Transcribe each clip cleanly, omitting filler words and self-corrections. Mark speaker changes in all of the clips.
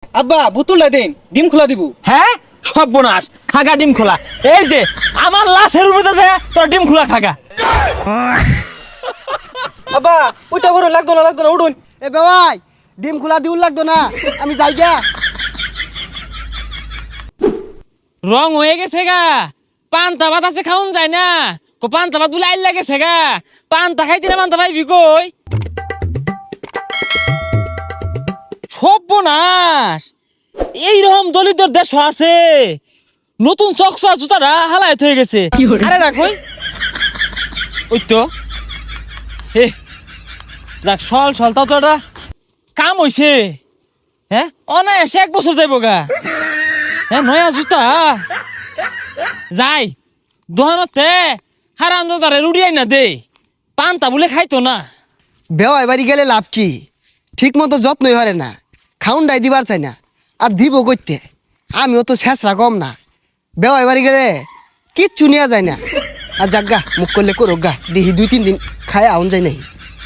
Speaker 1: আব্বা বোতলটা দেন, ডিম খোলা দিব।
Speaker 2: হ্যাঁ সর্বনাশ, খাগা ডিম খোলা। এই যে আমার লাশের উপরে আছে তোর ডিম খোলা খাগা।
Speaker 1: আব্বা ওইটা বড় লাগতো না উঠুন।
Speaker 3: এ ভাই ডিম খোলা দিউল লাগতো না, আমি যাই গা।
Speaker 2: রং হয়ে গেছে গা, পান্তা ভাত আছে খাওন যায় না। পান্তা ভাত বলে আইল লাগেছে গা, পান্তা খাইতে না পান্তা পাইবি কই? সর্বনাশ, এইরকম দলিতর দেশ আছে, নতুন চকচা জুতাটা হালায় হয়ে গেছে। আরে রাখই ওই তো হে দেখ, সল তাও তো এটা কাম হইছে। হ্যাঁ অনায়াসে 1 বছর যাইব গা। হ্যাঁ নয়া জুতা যাই দোকানতে হারাম দাদারে রুড়ি আইনা দে, পান্তা বলে খাইতো না।
Speaker 3: বেওয়াই বাড়ি গেলে লাভ কি, ঠিক মতো যত্নই হরে না, খাউন ডাই দিবার চাই না, আর দিব কইতে। আমিও তো শেষরা কম না, বেওয়াই বাড়ি গেলে কিচ্ছু নেওয়া যায় না। আর যাক গা, মুখ করলে করো গা, দেখি 2-3 দিন খায় আউন যায় নাই।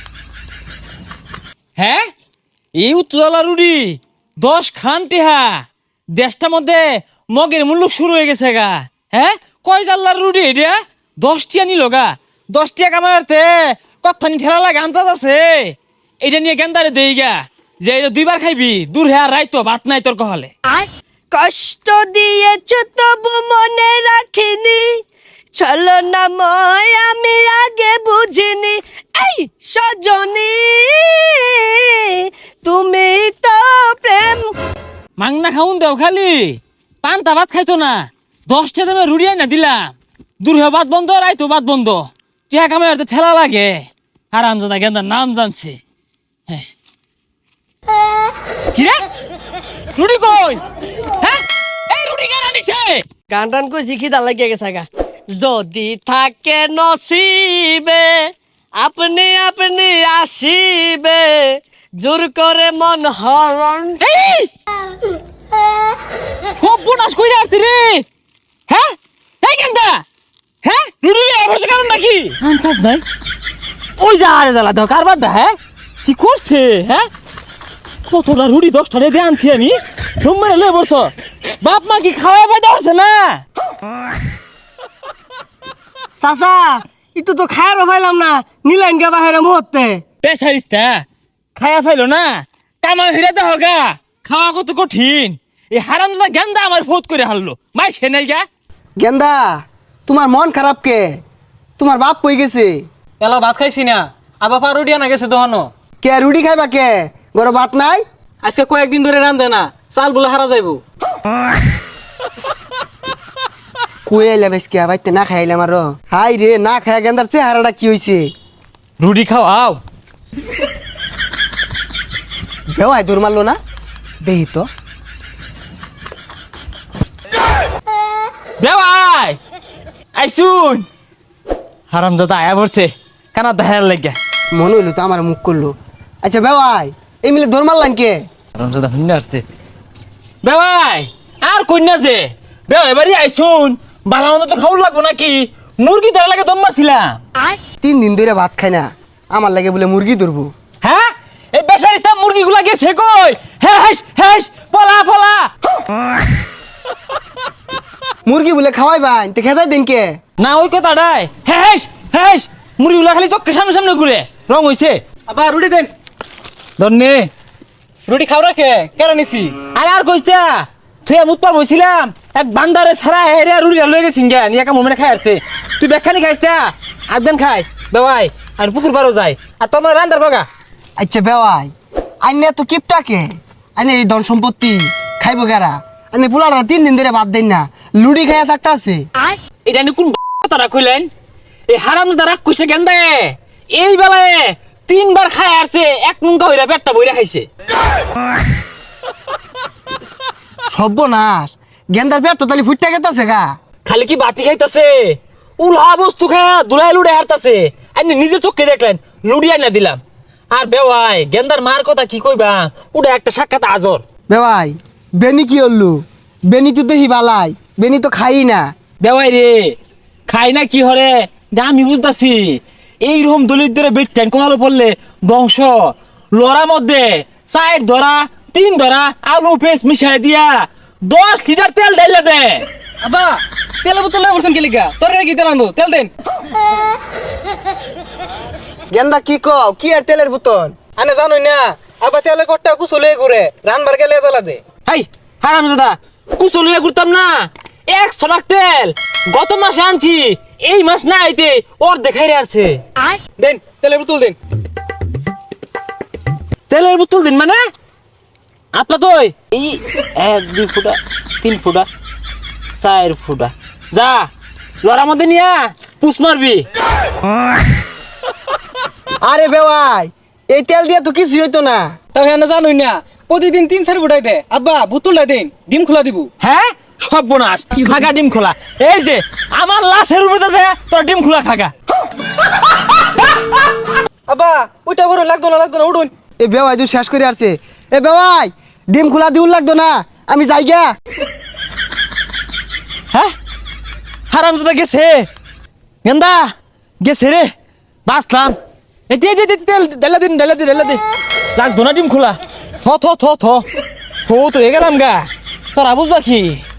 Speaker 2: হ্যাঁ এই উত্তরলা রুড়ি 10 খান টেহা, দেশটার মধ্যে মগের মূল্য শুরু হয়ে গেছে গা। হ্যাঁ কয় জাল্লার রুড়ি এটা 10 টিয়া নিল গা। 10 টিয়া কামাতে কত্থানি ঠেলা লাগে আন্দাজ আছে। এটা নিয়ে গেন্দারে দেই গা যে এটা 2 বার খাইবি, দূর হ্যাঁ রাইতো ভাত নাই তোর কহলে।
Speaker 4: কষ্ট দিয়েছ তবু মনে রাখিনি, চলো না ময় আমি আগে বুঝিনি। এই সজনী তুমি তো প্রেম।
Speaker 2: মাংনা খাউন দেও খালি, পান্তা ভাত খাইতো না। 10 টা দামে রুড়ি আইনা দিলাম, দূর হ্যাঁ ভাত বন্ধ, রাইতো ভাত বন্ধ। টিয়া কামাতে ঠেলা লাগে, হারাম জাদা গেন্দার নাম জানছে। হ্যাঁ কি রে রুড়ি কই? হ্যাঁ এই রুড়ি কার আনিছে?
Speaker 4: গান টান কই শিখি লাগিয়ে গেছে গা। যদি থাকে নসিবে আপনি আপনি আসিবে, জোর করে মন হরণ।
Speaker 2: এই সর্বনাশ কইরা আসছে রে। হ্যাঁ এই গেন্দা, হ্যাঁ রুড়ি আবার কারণ নাকি আন্তাজ নাই। ওই যা আরে দালা দাও কারবার দা। হ্যাঁ কি করছে? হ্যাঁ কতটা রুড়ি 10টা দিয়ে আনছি আমি, তোমরা লয়ে বসো। বাপ মা কি খাওয়া পাইতে পারছে না?
Speaker 4: চাচা একটু তো খায়ারও পাইলাম না, নিলেন গা বাহিরে মুহূর্তে।
Speaker 2: পেশারিস্তা খায়া ফাইলো না, কামা হিরা দেহ গা। খাওয়া কত কঠিন, এই হারামজাদা গেন্দা আমার ফোত করে হারলো। মাই সে নাই গা।
Speaker 3: গেন্দা তোমার মন খারাপ কে? তোমার বাপ কই গেছে?
Speaker 1: এলা ভাত খাইছি না, আবার পা রুটি আনা গেছে দোকানো।
Speaker 3: কে রুটি খাইবা কে? গরো ভাত নাই?
Speaker 1: আজকে কয়েকদিন ধরে রান্ধে না, চাল বলে হারা যাইব।
Speaker 3: কই আইলা বেশকে বাইতে না খাইলাম আরো। হাই রে, না খায় গেন্দার চেহারাটা কি হইছে?
Speaker 2: রুটি খাও আও।
Speaker 3: বেওয়াই দূর মারলো না, দেহি তো।
Speaker 2: বেওয়াই আইসুন, হারামজাদা আয়া পড়ছে কানা দেখার লাগে।
Speaker 3: মনে হইলো তো আমার মুখ করলো। আচ্ছা বেওয়াই এই মিলে দৌড় মারলাম কে?
Speaker 2: হারামজাদা হুন্না আসছে। বেওয়াই আর কইনা যে বেওয়াই বাড়ি আইসুন, বালা মন্দ তো খাওয়া লাগবো নাকি? মুরগি ধরা লাগে দম মারছিলাম।
Speaker 3: 3 দিন ধরে ভাত খাই না, আমার লাগে বলে মুরগি ধরবো।
Speaker 2: হ্যাঁ এই বেচারিস্তা মুরগিগুলা গেছে কই? হ্যাঁ হ্যাঁ পলা পলা।
Speaker 3: মুরগি বলে খাওয়াই বাইন তে খেতাই দিন কে?
Speaker 2: না ওই কথাটাই। হ্যাঁ হ্যাঁ মুরগিগুলা খালি চোখের সামনে সামনে ঘুরে রং হইছে।
Speaker 1: আবার রুটি দেন।
Speaker 2: ধন্যে
Speaker 1: রুটি খাও রাখে কেরা নিছি।
Speaker 2: আরে আর কইতা তুই মুতপার বইছিলাম, এক বান্দারে ছাড়া এরিয়া রুড়ি লয়ে গেছিন গা, নিয়ে একা মোমেন্টে খাই আসছে। তুই বেখানি খাইছা একদিন খাইস বেওয়াই, আর পুকুর পারও যায় আর তোমার রান্দার বাগা।
Speaker 3: আচ্ছা বেওয়াই আইনে তো কিপটাকে আইনে এই ধন সম্পত্তি খাইবো গারা, আইনে পোলারা 3 দিন ধরে ভাত দেন না, লুডি খাইয়া থাকতে আছে।
Speaker 2: এটা নিয়ে কোন কথাটা কইলেন? এই হারামজাদা রাগ কইছে গেন্দা, এই বেলায় 3 বার খাই আসছে, 1 নুঙ্কা হইরা পেটটা বইরা খাইছে।
Speaker 3: সর্বনাশ, গেন্দার পেট তো তালি ফুটতে গেতাছে গা।
Speaker 2: খালি কি বাতি খাইতাছে, উলা বস্তু খায়া দুলাই লুড়ে হারতাছে। আপনি নিজে চোখে দেখলেন, লুড়ি আইনা দিলাম। আর বেওয়াই গেন্দার মার কথা কি কইবা, ওটা একটা সাক্ষাৎ আজর।
Speaker 3: বেওয়াই বেনি কি হল্লু? বেনি তো দেখি বালাই, বেনি তো খাই না।
Speaker 2: বেওয়াই রে খাই না কি হরে আমি বুঝতাছি। এইরকম দলিত ধরে বেটতেন কোহালো পড়লে বংশ লড়ার মধ্যে চায়ের ধরা তিন ধরা আলু পেস্ট মিশাই দিয়া 10 লিটার তেল ঢাইলা দে।
Speaker 1: আব্বা তেল বোতল লয়ে বলছেন কি লিগা তোরে কি তেল আনবো তেল দেন
Speaker 3: গেন্দা কি কও কি আর তেলের বোতল
Speaker 1: আনে জানোই না আব্বা তেলে কট্টা কুচলে ঘুরে রানবার গেলে জ্বালা দে
Speaker 2: হাই হারামজাদা কুচলিয়া ঘুরতাম না 100 লাখ তেল গত মাসে আনছি এই মাস না আইতে ওর দেখাই আসছে।
Speaker 1: দেন তেলের বোতল দেন
Speaker 2: তেলের বোতল দিন মানে আপনা তো এই 1 2 ফুটা 3 ফুটা 4 ফুটা যা লড়ার মধ্যে নিয়া পুষ মারবি।
Speaker 3: আরে বেওয়াই এই তেল দিয়ে তো কিছু হইতো না।
Speaker 1: তাহলে আনে জানোই না প্রতিদিন 3-4 ফুটাই দে আব্বা বোতলটা দেন ডিম খোলা দিব
Speaker 2: হ্যাঁ সব বোনাস খাগা ডিম খোলা এই যে আমার লাশের উপরে আছে তোর ডিম খোলা খাগা।
Speaker 1: আব্বা ওইটা বড় লাগতো না উঠুন
Speaker 3: এ বেওয়াই তুই শেষ করে আসছে। এ বেওয়াই ডিম খোলা দিউল লাগতো না আমি যাই গা।
Speaker 2: হ্যাঁ হারামজাদা গেছে গেন্দা গেছে রে বাঁচলাম। এই দে তেল ঢেলা দে লাগতো না ডিম খোলা থ তো এ গেলাম গা তোরা বুঝবা কি।